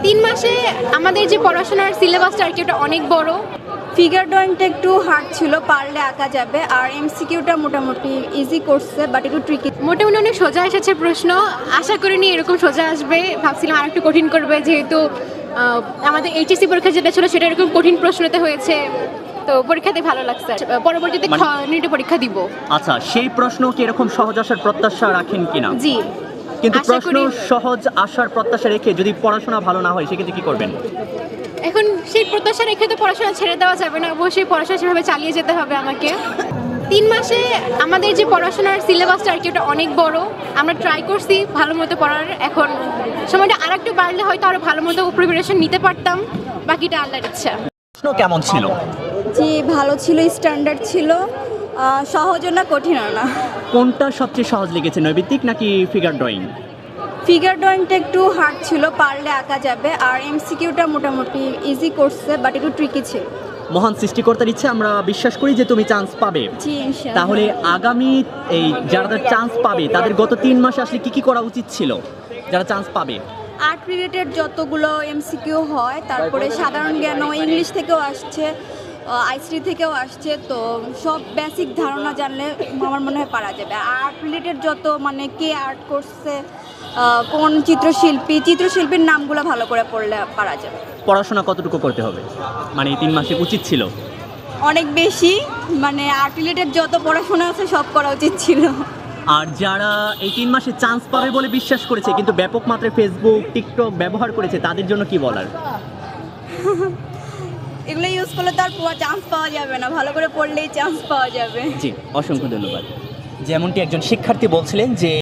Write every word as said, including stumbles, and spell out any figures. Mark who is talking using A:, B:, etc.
A: তিন মাসে আমাদের যে পড়াশোনার সিলেবাসটা আর কি ওটা অনেক বড়।
B: ফিগার ড্রয়িংটা একটু হার্ড ছিল, পারলে আঁকা যাবে। আর এমসিকিউটা মোটামুটি ইজি করছে, বাট একটু ট্রিকি।
A: মোটামুটি অনেক সোজা এসেছে প্রশ্ন, আশা করিনি এরকম সোজা আসবে, ভাবছিলাম আর একটু কঠিন করবে, যেহেতু আহ, আমাদের এইচএসসি পরীক্ষা যেটা ছিল সেটা এরকম কঠিন প্রশ্নতে হয়েছে, তো পরীক্ষাতে ভালো লাগছে। পরবর্তীতে
C: মানে-
A: নিটে পরীক্ষা দিব।
C: আচ্ছা, সেই প্রশ্ন কি এরকম সহজ আসার প্রত্যাশা রাখেন কিনা?
A: জি,
C: কিন্তু
A: আশা
C: প্রশ্ন
A: করি-
C: সহজ আসার প্রত্যাশা রেখে যদি পড়াশোনা ভালো না হয় সেক্ষেত্রে কি করবেন?
A: এখন সেই প্রত্যাশা রেখে তো পড়াশোনা ছেড়ে দেওয়া যাবে না, অবশ্যই পড়াশোনা সেভাবে চালিয়ে যেতে হবে আমাকে। তিন মাসে আমাদের যে পড়াশোনার সিলেবাসটা আর কি ওটা অনেক বড়, আমরা ট্রাই করছি ভালো মতো পড়ার। এখন সময়টা আর একটু বাড়লে হয়তো আরও ভালো মতো প্রিপারেশন নিতে পারতাম, বাকিটা আল্লাহর ইচ্ছা।
C: প্রশ্ন কেমন ছিল?
B: জি, ভালো ছিল, স্ট্যান্ডার্ড ছিল, আহ, সহজও না কঠিনও না।
C: কোনটা সবচেয়ে সহজ লেগেছে, নৈবিত্তিক নাকি ফিগার ড্রয়িং?
B: ফিগার ড্রয়িংটা একটু হার্ড ছিল, পারলে আঁকা যাবে। আর এমসিকিউটা মোটামুটি ইজি করছে, বাট একটু ট্রিকি ছিল।
C: মহান সৃষ্টিকর্তার ইচ্ছে আমরা বিশ্বাস করি যে তুমি চান্স পাবে।
B: জি, ইনশাআল্লাহ।
C: তাহলে আগামী এই যারা চান্স পাবে তাদের গত তিন মাসে আসলে কি কি করা উচিত ছিল যারা চান্স পাবে?
B: আর্ট রিলেটেড যতগুলো এমসিকিউ হয়, তারপরে সাধারণ জ্ঞান, ইংলিশ থেকেও আসছে, আইসিটি থেকেও আসছে, তো সব বেসিক ধারণা জানলে আমার মনে হয় পারা যাবে। আর্ট রিলেটেড যত, মানে কে আর্ট করছে, আহ, কোন চিত্রশিল্পী, চিত্রশিল্পীর নামগুলো ভালো করে পড়লে পারা যাবে।
C: পড়াশোনা কতটুকু করতে হবে, মানে এই তিন মাসে উচিত ছিল?
B: অনেক বেশি, মানে আর্ট রিলেটেড যত পড়াশোনা আছে সব করা উচিত ছিল।
C: আর যারা এই তিন মাসে চান্স পাবে বলে বিশ্বাস করেছে কিন্তু ব্যাপক মাত্রায় ফেসবুক টিকটক ব্যবহার করেছে, তাদের জন্য কি বলার?
B: এগুলো ইউজ করলে তো আর চান্স পাওয়া যাবে না, ভালো করে পড়লেই চান্স পাওয়া যাবে।
C: জি, অসংখ্য ধন্যবাদ। যেমনটি একজন শিক্ষার্থী বলছিলেন যে